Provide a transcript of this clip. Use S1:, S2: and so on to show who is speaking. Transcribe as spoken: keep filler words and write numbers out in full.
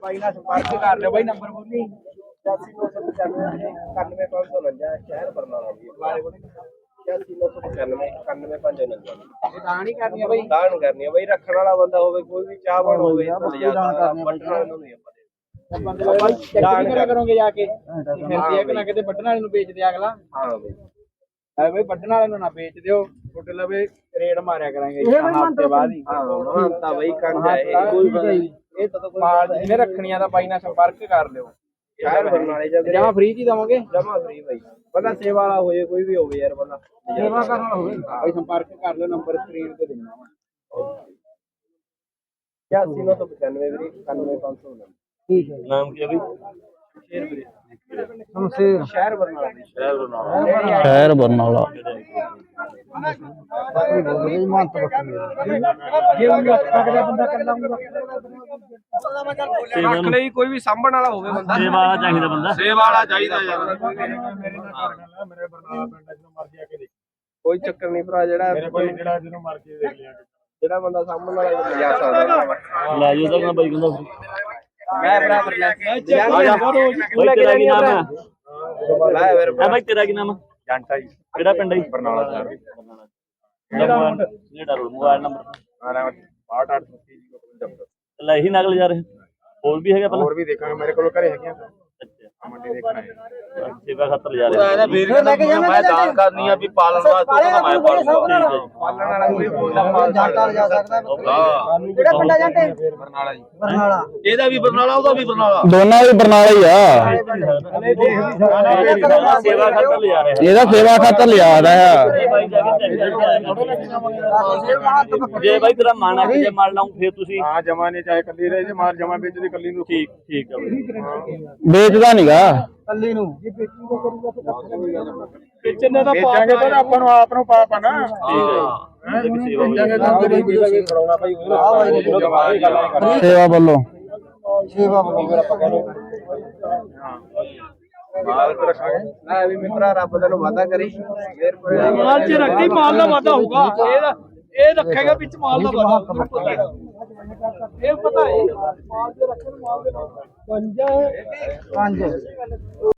S1: ਭਾਈ ਨਾਲ ਸੰਪਰਕ ਕਰ ਲਿਓ ਬਾਈ। ਨੰਬਰ ਬੋਲੀ ਪਚਾਸੀ ਨੌ ਸੌ ਪਚਾਨਵੇਂ ਇਕਾਨਵੇਂ ਪੰਜ ਸੌ ਉਨੰਜਾ। ਸ਼ਹਿਰ ਬਰਨਾਲਾ ਜੀ। ਪਚਾਸੀ ਨੌ ਸੌ ਪਚਾਨਵੇਂ ਇਕਾਨਵੇਂ ਪੰਜ ਸੌ ਉਨੰਜਾ। ਇਹ ਦਾਣ ਹੀ ਕਰਨੀ ਆ ਬਾਈ। ਦਾਣ ਕਰਨੀ ਆ ਬਾਈ। ਰੱਖਣ ਵਾਲਾ ਬੰਦਾ ਹੋਵੇ, ਕੋਈ ਵੀ ਚਾਹਵਾਨ ਹੋਵੇ, ਵੱਢਣ ਵਾਲੇ ਨੂੰ ਨਹੀਂ ਆਪਾਂ ਦਾਣ ਕਰੋਗੇ ਜਾ ਕੇ ਫਿਰ ਦੇਖ ਨਾ ਕਿਤੇ ਵੱਢਣ ਵਾਲੇ ਨੂੰ ਵੇਚ ਦੇ ਅਗਲਾ। ਹਾਂ ਬਾਈ ਐ ਬਈ ਵੱਢਣ ਵਾਲੇ ਨੂੰ ਨਾ ਵੇਚ ਦਿਓ। ਤੁਹਾਡੇ ਲਵੇ ਰੇਡ ਮਾਰਿਆ ਕਰਾਂਗੇ ਹਫ਼ਤੇ ਬਾਅਦ ਹੀ। ਹਾਂ ਤਾਂ ਬਈ ਕੰਜ ਹੈ ਇਹ। ਇਹ ਤਾਂ ਮਾਲ ਜਿਹਨੇ ਰੱਖਣੀਆਂ ਤਾਂ ਬਾਈ ਨਾਲ ਸੰਪਰਕ ਕਰ ਲਿਓ। ਸ਼ਹਿਰ ਬਰਨਾਲੇ ਜਾਂ ਜਮਾ ਫ੍ਰੀ ਚ ਹੀ ਦਵਾਂਗੇ। ਜਮਾ ਫ੍ਰੀ ਬਾਈ। ਬੰਦਾ ਸੇਵਾ ਵਾਲਾ ਹੋਏ, ਕੋਈ ਵੀ ਹੋਵੇ ਯਾਰ, ਬੰਦਾ ਸੇਵਾ ਕਰਨ ਵਾਲਾ ਹੋਵੇ ਬਾਈ ਸੰਪਰਕ ਕਰ ਲਿਓ। ਨੰਬਰ ਸਕਰੀਨ ਤੇ ਦੇਣਾ ਵਾ। ਪਚਾਸੀ ਨੌ ਸੌ ਪਚਾਨਵੇਂ ਵੀਰੇ ਇਕਾਨਵੇਂ ਪੰਜ ਸੌ ਉਨੰਜਾ। ਠੀਕ ਹੈ। ਨਾਮ ਕੀ ਹੈ ਬਈ? ਸ਼ੇਰ ਵੀਰੇ। ਸ਼ਮਸ਼ੇਰ। ਸ਼ਹਿਰ ਬਰਨਾਲਾ। ਸ਼ਹਿਰ ਬਰਨਾਲਾ।
S2: ਸ਼ਹਿਰ ਬਰਨਾਲਾ।
S1: ਰੱਖ ਲਈ ਕੋਈ ਵੀ ਸਾਂਭਣ ਵਾਲਾ ਹੋਵੇ ਬੰਦਾ।
S2: ਸੇਵਾ ਵਾਲਾ ਚਾਹੀਦਾ ਬੰਦਾ।
S1: ਸੇਵਾ ਵਾਲਾ ਚਾਹੀਦਾ ਯਾਰ। ਕੋਈ ਚੱਕਰ ਨਹੀਂ ਭਰਾ। ਜਿਹੜਾ ਜਿਹੜਾ ਜਿਹਨੂੰ ਮਰਜ਼ੀ ਦੇਖ ਲਿਆ। ਜਿਹੜਾ ਬੰਦਾ ਸਾਂਭਣ ਵਾਲਾ ਜਾ ਸਕਦਾ
S2: ਲੈ ਜਾਓ ਤਾਂ ਬਾਈ ਕਹਿੰਦਾ
S1: ਮੈਂ ਬਰਾਬਰ ਲੈ ਕੇ
S2: ਬਾਈ ਤੇਰਾ ਕੀ ਨਾਮ ਹੈ?
S1: ਲੈ ਫਿਰ
S2: ਆ ਬਾਈ ਤੇਰਾ ਕੀ ਨਾਮ ਹੈ?
S1: ਜੰਟਾ ਜੀ।
S2: ਕਿਹੜਾ ਪਿੰਡ ਹੈ?
S1: ਬਰਨਾਲਾ ਸ਼ਹਿਰ।
S2: ਜਿਹੜਾ ਮੋਬਾਈਲ ਨੰਬਰ
S1: ਅੱਠ ਅੱਠ ਸੌ ਤੀਹ।
S2: ਲੈ ਇਹੀ ਨਕਲ ਜਾ ਰਹੇ ਹੋਰ ਵੀ ਹੈਗਾ ਪਹਿਲਾਂ?
S1: ਹੋਰ ਵੀ ਦੇਖਾਂਗੇ, ਮੇਰੇ ਕੋਲ ਘਰੇ ਹੈਗੀਆਂ।
S2: ਅੱਛਾ
S1: ਮੰਡੀ ਦੇਖਣਾ ਹੈ।
S2: ਸੇਵਾ ਖਾਤਰ ਜਾ ਰਹੇ
S1: ਮੈਂ ਦਾਨ ਕਰਨੀ ਆ ਵੀ ਪਾਲਣ ਵਾਸਤੇ ਤਾਂ ਮੈਂ ਪਾਲੂਗਾ। ਪਾਲਣ ਵਾਲਾ ਕੋਈ ਬੋਲਦਾ ਮਾਲ
S3: ਜੰਟਾ ਜਾ ਸਕਦਾ।
S1: ਹਾਂ
S3: ਕਿਹੜਾ ਪਿੰਡ ਆ ਜੰਟੇ?
S1: ਬਰਨਾਲਾ ਜੀ।
S3: ਬਰਨਾਲਾ।
S1: ਇਹਦਾ ਵੀ ਬਰਨਾਲਾ, ਉਹਦਾ ਵੀ ਬਰਨਾਲਾ।
S2: ਦੋਨਾਂ ਵੀ ਬਰਨਾਲਾ ਹੀ ਆ। ਸੇਵਾ ਖਾਤਰ ਲਿਜਾ ਰਹੇ
S3: ਇਹਦਾ ਸੇਵਾ ਖਾਤਰ ਲਿਆ ਰਿਹਾ।
S2: ਜੇ ਬਾਈ ਤੇਰਾ ਮਨ ਆ ਕਿ ਜੇ ਮਾਰ ਲਾਉਂ ਫਿਰ ਤੁਸੀਂ
S1: ਹਾਂ ਜਮਾ ਨਹੀਂ, ਚਾਹੇ ਕੱਲੀ ਰਹੇ ਜੇ ਮਾਰ ਜਮਾ ਵਿੱਚ ਦੀ ਕੱਲੀ ਨੂੰ।
S2: ਠੀਕ ਠੀਕ ਆ ਬਾਈ।
S3: ਵੇਚਦਾ ਨੀਗਾ ਕੱਲੀ ਨੂੰ।
S1: ਵੇਚਣ ਦਾ ਪਾਵਾਂਗੇ ਤਾਂ ਆਪਾਂ ਨੂੰ ਆਪ ਨੂੰ ਪਾਪ ਆ ਨਾ।
S2: ਹਾਂ ਸੇਵਾ
S1: ਖੜਾਉਣਾ ਭਾਈ।
S3: ਸੇਵਾ ਵੱਲੋਂ ਸੇਵਾ ਵੱਲੋਂ
S1: ਮਾਲ ਤੇ ਰੱਖਾਂਗੇ। ਲੈ ਵੀ ਮਿੱਤਰਾ, ਰੱਬ ਤੈਨੂੰ ਵਾਦਾ ਕਰੀ ਫੇਰ
S4: ਮਾਲ ਚ ਰੱਖੀ ਮਾਲ ਦਾ ਵਾਧਾ ਹੋਊਗਾ। ਇਹਦਾ ਇਹ ਰੱਖੇਗਾ ਵਿੱਚ ਮਾਲ ਦਾ ਵਾਧਾ। ਇਹ ਪਤਾ ਹੈ ਮਾਲ ਚ ਰੱਖਣ ਮਾਲ ਦੇ ਨਾਲ
S3: ਪੰਜ